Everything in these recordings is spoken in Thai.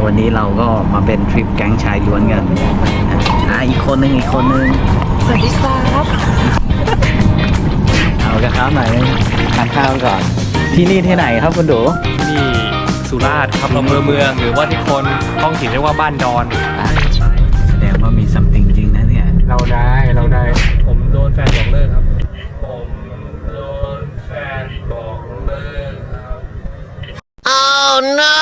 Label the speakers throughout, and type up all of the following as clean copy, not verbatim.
Speaker 1: วันนี้เราก็มาเป็นทริปแก๊งชายล้วนกันอีกคนนึง
Speaker 2: สวัสดีครับ
Speaker 1: เอากระข้าวหน่อยทานข้าวก่อนที่นี่ที่ไหนครับคุณดู
Speaker 3: นี่สุราษฎร์ครับอำเภอเมืองหรือว่าที่คนท้องถิ่นเรียกว่าบ้านดอน
Speaker 1: แสดงว่ามีซัมติงจริงนะเนี่ย
Speaker 3: เราได้ผมโดนแฟนบอกเลิกครับผมโดนแฟนบอกเลิกครับ
Speaker 2: Oh no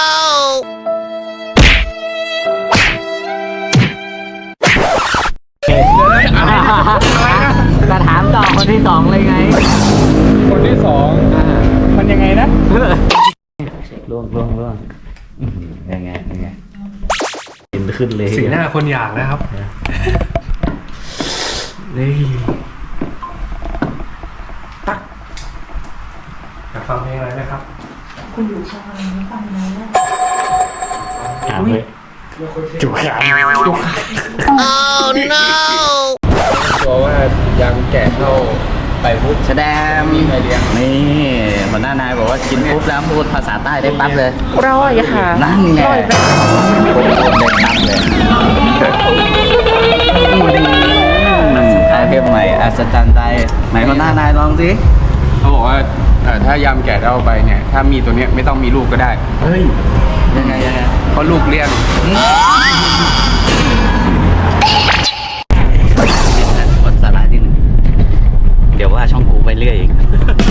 Speaker 1: จะถามต่อคนที่สองเลยไง
Speaker 3: คนที่สองมันยังไงนะ
Speaker 1: ล่วงยังไงกินขึ้นเลย
Speaker 3: สีหน้าคนอยากนะครับนี่ตักอยากฟังเพลงอะไรไหมครับ
Speaker 2: คุณอยู่ช่องอะไรไม่ฟังนะ
Speaker 1: ถามเลยจุกขา
Speaker 2: Oh no
Speaker 3: กลัวว่ายังแก่เท่าไปพุทธ
Speaker 1: แสดง
Speaker 3: มีใครเลี้ยง
Speaker 1: นี่หัวหน้านายบอกว่ากินปุ๊บแล้วพูดภาษาใต้ได้ปั๊บเลย
Speaker 2: ร่อยค่ะ
Speaker 1: นั่นไงได้ปั๊บเลยอาเทพใหม่อัศจรรย์ใจไหนหัวหน้านายลองสิ
Speaker 3: เขาบอกว่าถ้ายำแก่เท่าไปเนี่ยถ้ามีตัวเนี้ยไม่ต้องมีลูกก็ได้
Speaker 1: เฮ้ยยังไง
Speaker 3: เพราะลูกเลี้ยง
Speaker 1: กดสาระนิดนึงเดี๋ยวว่าช่องกูไปเรื่อยอีก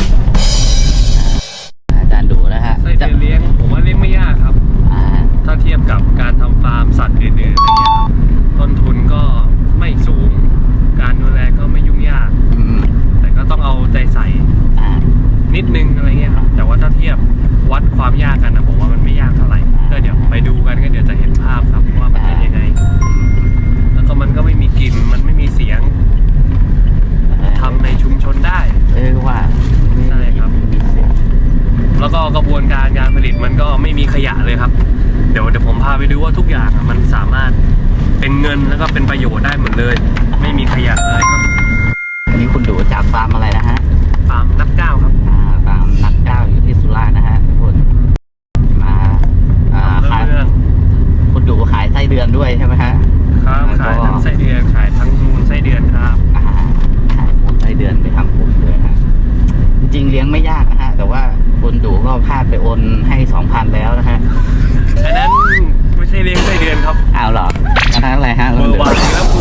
Speaker 1: อาจารย์ดูนะฮะ
Speaker 3: ไส้เดือนเลี้ยงผมว่าเลี้ยงไม่ยากครับถ้าเทียบกับการทำฟาร์มสัตว์อื่นๆอะไรเงี้ยครับต้นทุนก็ไม่สูงการดูแลก็ไม่ยุ่งยากแต่ก็ต้องเอาใจใส่นิดนึงอะไรเงี้ยครับแต่ว่าถ้าเทียบวัดความยากกันนะผมว่ามันไม่ยากเท่าไหร่ก็เดี๋ยวไปดูกันก็เดี๋ยวจะเห็นภาพครับว่ามันเป็นยังไงแล้วก็มันก็ไม่มีกลิ่นมันไม่มีเสียงทำในชุมชนได้
Speaker 1: ว่า
Speaker 3: ใช่ครับแล้วก็กระบวนการงานผลิตมันก็ไม่มีขยะเลยครับเดี๋ยวผมพาไปดูว่าทุกอย่างมันสามารถเป็นเงินแล้วก็เป็นประโยชน์ได้หมดเลยไม่มีขยะเลยครับ
Speaker 1: อันนี้คุณดูจากฟาร์มอะไรนะฮะ
Speaker 3: ฟาร์มนักก้าวครับ
Speaker 1: ฟาร์มนักก้าวอยู่ที่สุราษฎร์นะฮะทุกคนมาขายคุณดูขายไส้เดือนด้วยใช่ไหมฮะ
Speaker 3: ครับขายทั้งไส้เดือนขายทั้งมูลไส้เดือนครับ
Speaker 1: ขายมูลไส้เดือนไปทำปุ๋ยด้วยฮะจริงเลี้ยงไม่ยากนะฮะแต่ว่าคุณดูก็พลาดไปโอนให้ 2,000 แล้วนะฮะ
Speaker 3: อันนั้นไม่ใช่เลี้ยงไส้เดือนครับ
Speaker 1: อ้าวเหรออันนั้นอะไรฮะ
Speaker 3: เบอร์วันแล้วกู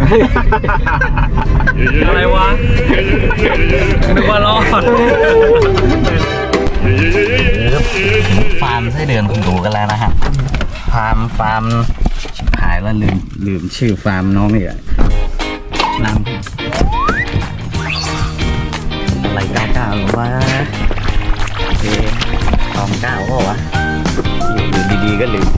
Speaker 3: อะไรวะนึกว่ารอด
Speaker 1: ฟาร์มไส้เดือนคุณดูกันแล้วนะฮะฟาร์มชิบหายแล้วลืมชื่อฟาร์มน้องอีกนำอะไร99หรือว่าตอง9ก็วะอยู่ดีๆก็ลืม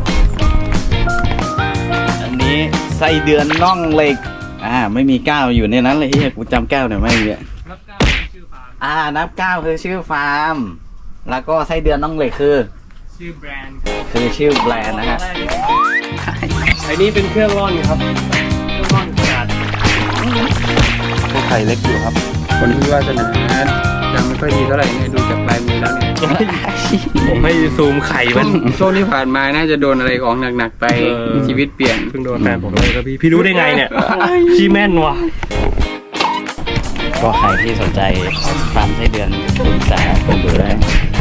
Speaker 1: อันนี้ไส้เดือนน่องเหล็กไม่มี9อยู่ในนั้นเลยที่กูจำ9หน่อยไม่มี
Speaker 3: นับ9คือชื่อฟาร์ม
Speaker 1: นับ9คือชื่อฟาร์มแล้วก็ไส้เดือนน่องเหล็กคือ
Speaker 3: ชื่อแบรนด์
Speaker 1: คือชื่อแบรนด์นะฮะ
Speaker 3: ไอ้นี่เป็นเครื่องร่อนครับเครื่องร่อนขนาด
Speaker 1: พวกไข่เล็กอยู่ครับ
Speaker 3: คนที่วาสนายังไม่ค่อยดีเท่าไหร่เนี่ยดูจากลายมือแล้วเนี่ยผมให้ซูมไข่มันช่วงที่ผ่านมาน่าจะโดนอะไรของหนักๆไปชีวิตเปลี่ยน
Speaker 1: เพิ่งโดนแฟนผมเลยครับพี่รู้ได้ไงเนี่ยชี้แม่นวะก็ใครที่สนใจฟาร์มไส้เดือนคุณสาผมดูได้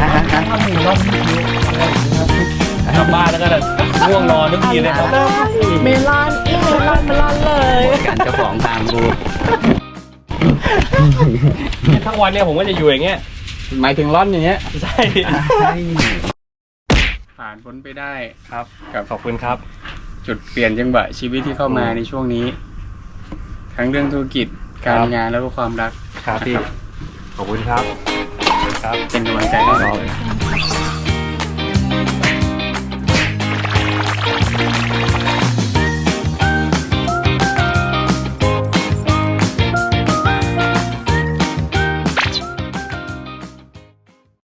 Speaker 3: กลับบ้านแล้วก็ง่วงนอนทุกทีเลยครับ
Speaker 2: เมลอนเลย
Speaker 1: การเจ้าของฟาร์มกู
Speaker 3: ทั้งวันเนี่ยผมก็จะอยู่อย่างเงี้ยหมายถึงร่อนอย่างเงี้ยใช่ผ่านพ้นไปได้ครับขอบคุณครับจุดเปลี่ยนจังหวะชีวิตที่เข้ามาในช่วงนี้ทั้งเรื่องธุรกิจการงานแล้วก็ความรัก
Speaker 1: ครับพี่
Speaker 3: ขอบคุณครับเป็นกำลังใจให้เรา